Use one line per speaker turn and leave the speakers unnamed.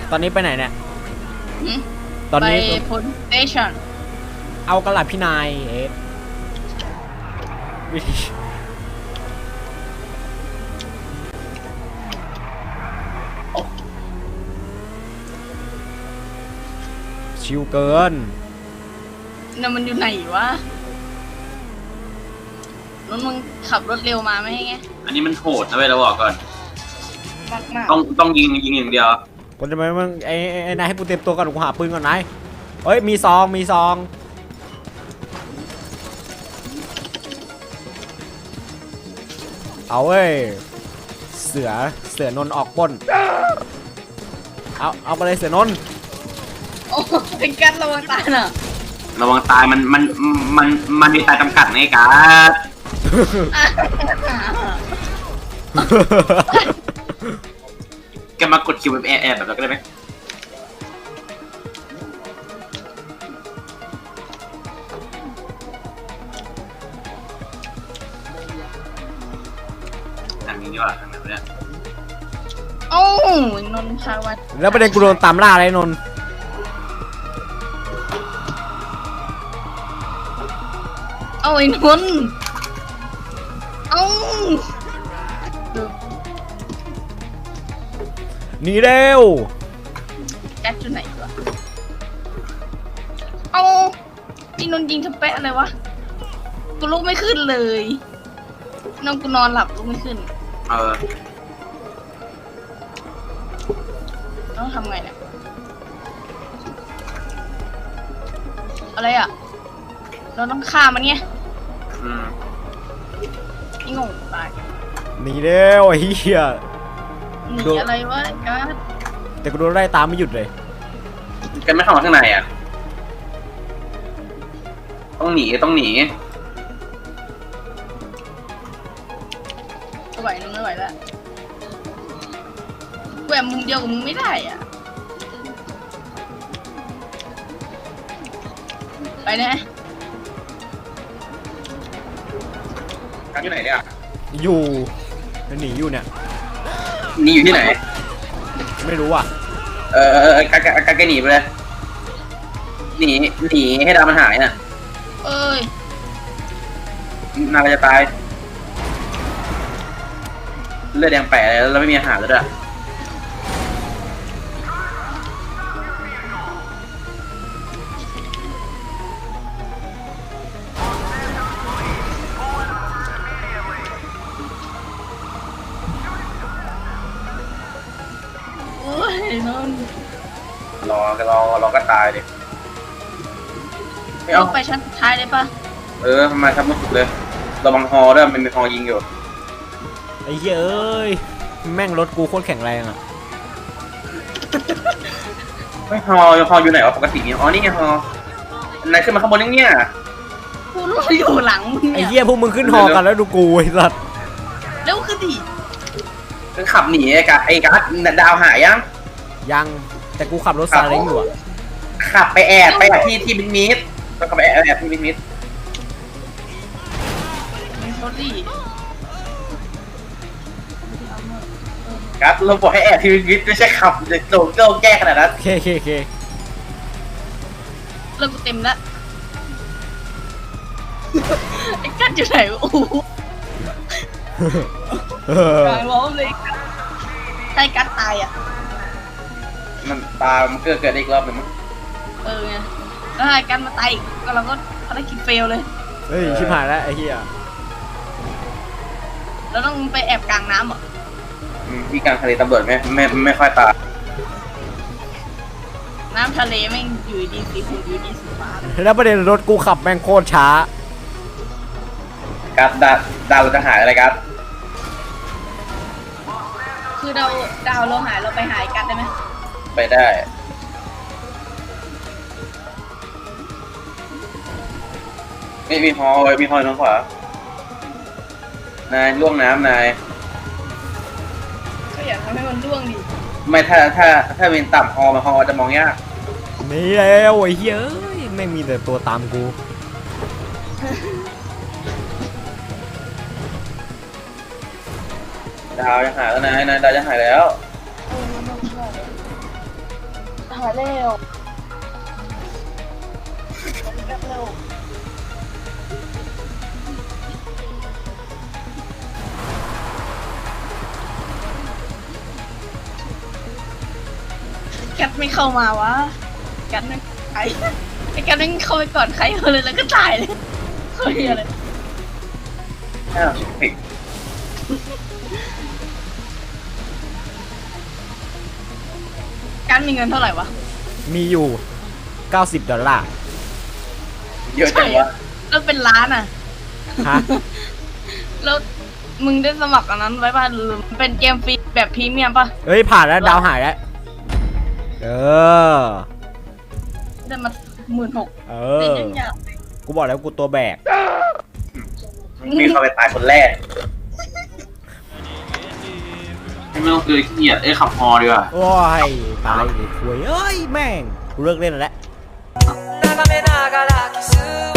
ตอนนี้ไปไหนเนี่ย
หืม
ตอนนี้
ไปพลสเตชัน
เอากระหล่ำพี่นายวิธีชิวเกิน
น่ะมันอยู่ไหนวะรถมึงขับรถเร็วมาไม่ให้ไง
อันนี้มันโหดนะเว้ยเราบอกก่อน
มาก
ต้องยิงอย่างเดียว
คนจะมามึงไอ้นายให้กูเตรียมตัวก่อนกูหาปืนก่อนนายเฮ้ยมีซองเอาเว้ยเสือนนออกปล้นเอาไปเลยเสือนน
โอ้เป็นการระวังตายน่ะ
ระวังตายมันมีตายจำกัดในการ แกมากดคิวแบบแอบแบบเราก็ได้ไหมทางนี้ดีกว่าทางนั้นเนี่ย
โอ้นนทวัฒน์
แล้วประเด็นกูโดนตามล่าอะไรนน
เอาไอ้นนเอา
หนีเร็ว
แจ็คอยู่ไหนวะเอาไอ้นนยิงทะเป๊ะอะไรวะกูลุกไม่ขึ้นเลยน้องกูนอนหลับลุกไม่ขึ้นต้องทำไงเนี่ยอะไรอ่ะเราต้องฆ่ามันไงไอ้งงตาย
หนีเร็วไอ้เหี้ย
หนีอะไรวะการ์ด
แต่กูโดนไล่ตามไม่หยุดเลย
กันไม่เข้ามาข้างในอ่ะต้องหนี
ไม่ไหวไม่ไหวแล้วแหวกมุมเดียวกับมึงไม่ได้อ่ะไปนะ
กันอยู่ไหนเนี่ย
อยู่หนีอยู่เนี่ย
นี่อยู่ที่ไหน
ไม่รู้อ่ะ
กันหนีไปเลยหนีให้ดาวมันหายน่ะ
เอ้ย
นายจะตายเลือดแดงแปะแล้วไม่มีอาหารแล้วด้วย
โอ้ยนน
รอก็ตายดิ
ไม่เอาไปชั้นสุดท้ายเลยปะ
มาทำมุดเลยระวังฮอด้วยมันมีฮอยิงอยู่
ไอ้เหี้ยเอ้ยแม่งรถกูโคตรแข็งแรงอ่ะ
ไม่ฮออยู่ไหนวะปกติอ๋อนี่ไงฮอนายขึ้นมาข้างบนเนี่ย
กูรออยู่หลังมึง
ไอ้เหี้ยพวกมึงขึ้นฮอกันแล้วดูกูไอ้สัส
เร็วขึ้นดิ
ก็ขับหนีไอ้กัสดาวหาย
ยังแต่กูขับรถซาเล้งอยู่อ่ะ
ขับไปแอบที่มิดมิดก็ขับไปแอบที่มิดมิด
รถดิ
กัสเราบอกให้แอบที่มิดมิดไม่ใช่ขับโดนเก้าแก้ขนาดนั้น
เค
เริ่มเต็มแล้วไอ้กัดอยู่ไหนโอ้โหกลางล้อมเลยใช่กัดตายอ่ะ
มันตามันเกิดอีกรอบหนึ่งมั้ง
ไงแล้วไอ้กัดมาตายอีกก็เราก็ได้คิดเฟลเลย
เฮ้ยชิบหายแล้วไอ้เหี้ย
เราต้องไปแอบกลางน้ำเหรอ
ที่กลางทะเลตำรวจไม่ค่อยตาย
น้ำทะเลแม่งอยู่ดีสีขุ่นอยู่ดีสีฟ้า
แล้วประเด็นรถกูขับแม่งโคตรช้า
กัสดาวจะหายอะไรกัส
คือดาวเราหายเราไปหายกันได้ไหม
ไปได้ไม่มีฮอทางขวานายล่วงน้ำนาย
ก็อยากทำให้มันล่วงดิ
ไม่ถ้าเป็นต่ำฮอจะมองยาก
นี่แล้วไอ้เหี้ยไม่มีแต่ตัวตามกู
ดาวจะหายแล้วนายดาวจะหายแล้ว
หายเร็วเร็วแกไม่เข้ามาวะแกไม่ใครไอ้แกไม่เข้าไปก่อนใครเลยแล้วก็ตายเลยเฮ้ยอะไร
อ้าวผิด
การมีเงินเท่าไหร่วะ
มีอยู่$90
เยอะจังวะ
แล้วเป็นล้านอ่ะ
ฮะ
แล้วมึงได้สมัครอันนั้นไว้ป่ะหรือเป็นเกมฟรีแบบพรีเมียมป่ะ
เฮ้ยผ่านแล้วดาวหายแล้วเออ
ได้มา16,000
เอ
เล่น
อ
ยังอยาก
กูบอกแล้วกูตัวแบก
มีเขาไปตายคนแรกไม่ต้องคือขี้เกียจขับฮอดีกว่า
โอ้ยตายเลยคุยเอ้ยแม่งกูเลิกเล่นแล้ว
眺めながらキス